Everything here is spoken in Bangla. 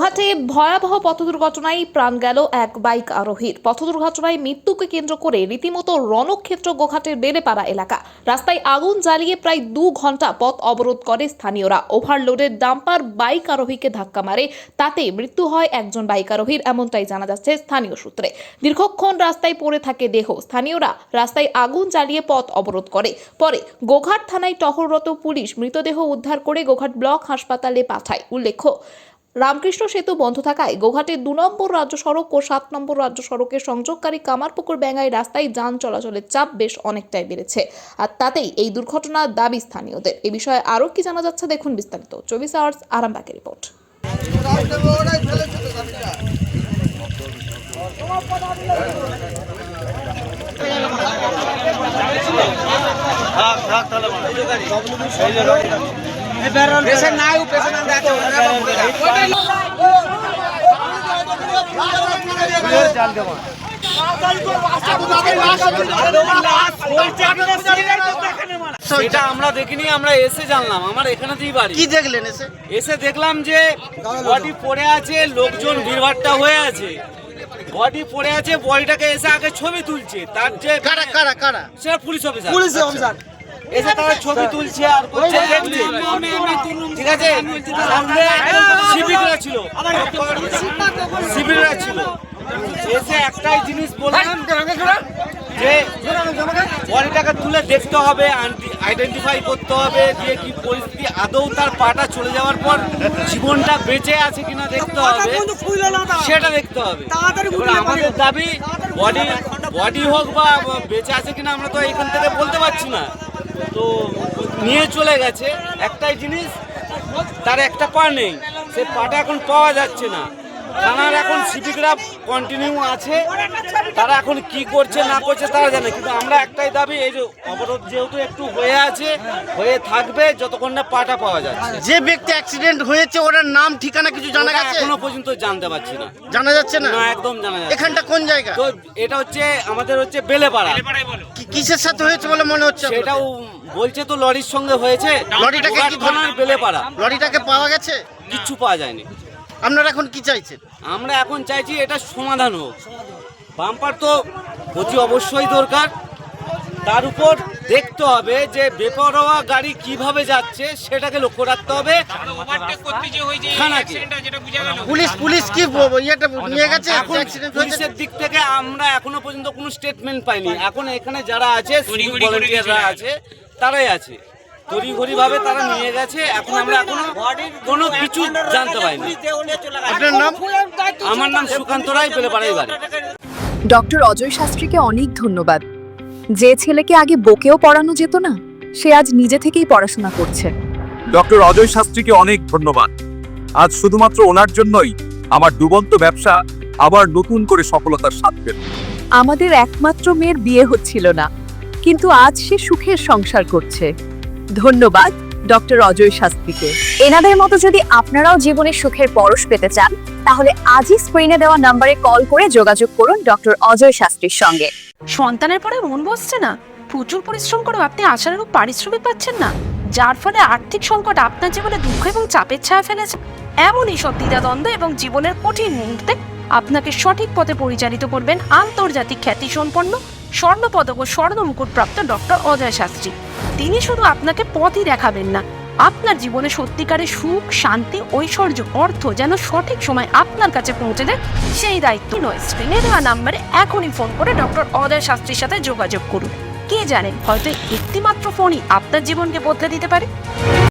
গোঘাটে ভয়াবহ পথ দুর্ঘটনায় প্রাণ গেল এক বাইক আরোহীর। পথ দুর্ঘটনায় মৃত্যুকে কেন্দ্র করে রীতিমতো রণক্ষেত্র গোঘাটের বেলেপাড়া এলাকা। রাস্তায় আগুন জ্বালিয়ে প্রায় 2 ঘন্টা পথ অবরোধ করে স্থানীয়রা। ওভারলোডের ডাম্পার বাইক আরোহীকে ধাক্কা মারে, তাতে মৃত্যু হয় একজন বাইক আরোহীর, এমনটাই জানা যাচ্ছে স্থানীয় সূত্রে। দীর্ঘক্ষণ রাস্তায় পড়ে থাকে দেহ। স্থানীয়রা রাস্তায় আগুন জ্বালিয়ে পথ অবরোধ করে। পরে গোঘাট থানায় টহলরত পুলিশ মৃতদেহ উদ্ধার করে গোঘাট ব্লক হাসপাতালে পাঠায়। উল্লেখ্য, রামকৃষ্ণ সেতু বন্ধ থাকায় গোঘাটের 2 নম্বর রাজ্য সড়ক ও 7 নম্বর রাজ্য সড়কের সংযোগকারী কামারপুকুর ব্যাঙ্গাই রাস্তায় যান চলাচলের চাপ বেশ অনেকটাই বেড়েছে। আর তাতেই এই দুর্ঘটনার দাবি স্থানীয়দের। এই বিষয়ে আরও কি জানা যাচ্ছে দেখুন বিস্তারিত 24 আওয়ার্স আরামবাগের রিপোর্ট। এটা আমরা দেখিনি, আমরা এসে জানলাম। আমার এখানেতেই বাড়ি। কি দেখলেন? এসে দেখলাম যে বডি পড়ে আছে, লোকজন ভিড়ভাট্টা হয়ে আছে, বডি পড়ে আছে। বডিটাকে এসে আগে ছবি তুলছে। তার যে কারা কারা কারা সেটা পুলিশ অফিসার এসে তারা ছবি তুলছে আর করছে, দেখছে। ঠিক আছে, সামনে শিবিররা ছিল। এসে একটাই জিনিস বললাম যে বডিটাকে তুলে দেখতে হবে, আইডেন্টিফাই করতে হবে যে কি পরিস্থিতি, আদৌ তার পাটা চলে যাওয়ার পর জীবনটা বেঁচে আছে কিনা দেখতে হবে, সেটা দেখতে হবে। আমাদের দাবি বডি হোক বা বেঁচে আছে কিনা আমরা তো এখান থেকে বলতে পারছি না। তো নিয়ে চলে গেছে, একটাই জিনিস, তার একটা পা নেই, সে পাটা এখন পাওয়া যাচ্ছে না। থানার এখন সিভিকরা কন্টিনিউ আছে, তারা এখন কি করছে না করছে তারা জানে। কিন্তু আমরা একটাই দাবি, এই যে অবরোধ যেহেতু একটু হয়ে আছে, হয়ে থাকবে যতক্ষণ না পাটা পাওয়া যাচ্ছে। যে ব্যক্তি অ্যাক্সিডেন্ট হয়েছে ওর নাম ঠিকানা কিছু জানা গেছে? এখনো পর্যন্ত জানতে পারছি না। জানা যাচ্ছে না? না, একদম জানা যাচ্ছে। এখানটা কোন জায়গা? তো এটা হচ্ছে আমাদের বেলেপাড়া। কিসের সাথে হয়েছে বলে মনে হচ্ছে? সেটাও বলছে তো লরির সঙ্গে হয়েছে। লরিটাকে কি থানার বেলেপাড়া। লরিটাকে পাওয়া গেছে? কিচ্ছু পাওয়া যায়নি। আপনারা এখন কি চাইছেন? আমরা এখন চাইছি এটা সমাধান হোক। বাম্পার তো অতি অবশ্যই দরকার, তার উপর দেখতে হবে যে বেপরোয়া গাড়ি কিভাবে যাচ্ছে সেটাকে লক্ষ্য রাখতে হবে। পুলিশ কি ইয়েটা নিয়ে গেছে? পুলিশের দিক থেকে আমরা এখনো পর্যন্ত কোনো স্টেটমেন্ট পাইনি। এখন এখানে যারা আছে, ভলান্টিয়াররা আছে, তারাই আছে, তড়িঘড়ি ভাবে তারা নিয়ে গেছে। এখন আমরা এখনো কোনো কিছু জানতে পারিনি। আপনার নাম? আমার নাম সুকান্ত রায়, বেলেপাড়ায় বাড়ি। ডক্টর অজয় শাস্ত্রীকে অনেক ধন্যবাদ। যে ছেলেকে আগে বকেও পড়ানো যেত না, সে আজ নিজে থেকেই পড়াশোনা করছে। ডক্টর অজয় শাস্ত্রীকে অনেক ধন্যবাদ। আজ শুধুমাত্র ওনার জন্যই আমার ডুবন্ত ব্যবসা আবার নতুন করে সফলতার স্বাদ পেল। আমাদের একমাত্র মেয়ের বিয়ে হচ্ছিল না, কিন্তু আজ সে সুখের সংসার করছে। ধন্যবাদ ডক্টর অজয় শাস্ত্রীকে। এনাদের মতো যদি আপনারাও জীবনে সুখের পরশ পেতে চান, তাহলে আজই স্ক্রিনে দেওয়া নম্বরে কল করে যোগাযোগ করুন ডক্টর অজয় শাস্ত্রীর সঙ্গে। সন্তানের পরে মন বসছে না, প্রচুর পরিশ্রম করেও আপনি আশানুরূপ পারিশ্রমিক পাচ্ছেন না, যার ফলে আর্থিক সংকট আপনার জীবনে দুঃখ এবং চাপের ছায়া ফেলেছে। এমনই সব দ্বিধাদ্বন্দ্ব এবং জীবনের কঠিন মুহূর্তে আপনাকে সঠিক পথে পরিচালিত করবেন আন্তর্জাতিক খ্যাতিসম্পন্ন স্বর্ণপদক ও স্বর্ণ মুকুটপ্রাপ্ত ডক্টর অজয় শাস্ত্রী। তিনি শুধু আপনাকে পথই দেখাবেন না, আপনার জীবনে সত্যিকারের সুখ, শান্তি, ঐশ্বর্য, অর্থ যেন সঠিক সময় আপনার কাছে পৌঁছে দেয়, সেই দায়িত্ব নয়। স্ক্রিনে দেওয়া নাম্বারে এখনই ফোন করে ডক্টর অজয় শাস্ত্রীর সাথে যোগাযোগ করুন। কে জানেন, হয়তো একটিমাত্র ফোনই আপনার জীবনকে বদলে দিতে পারে।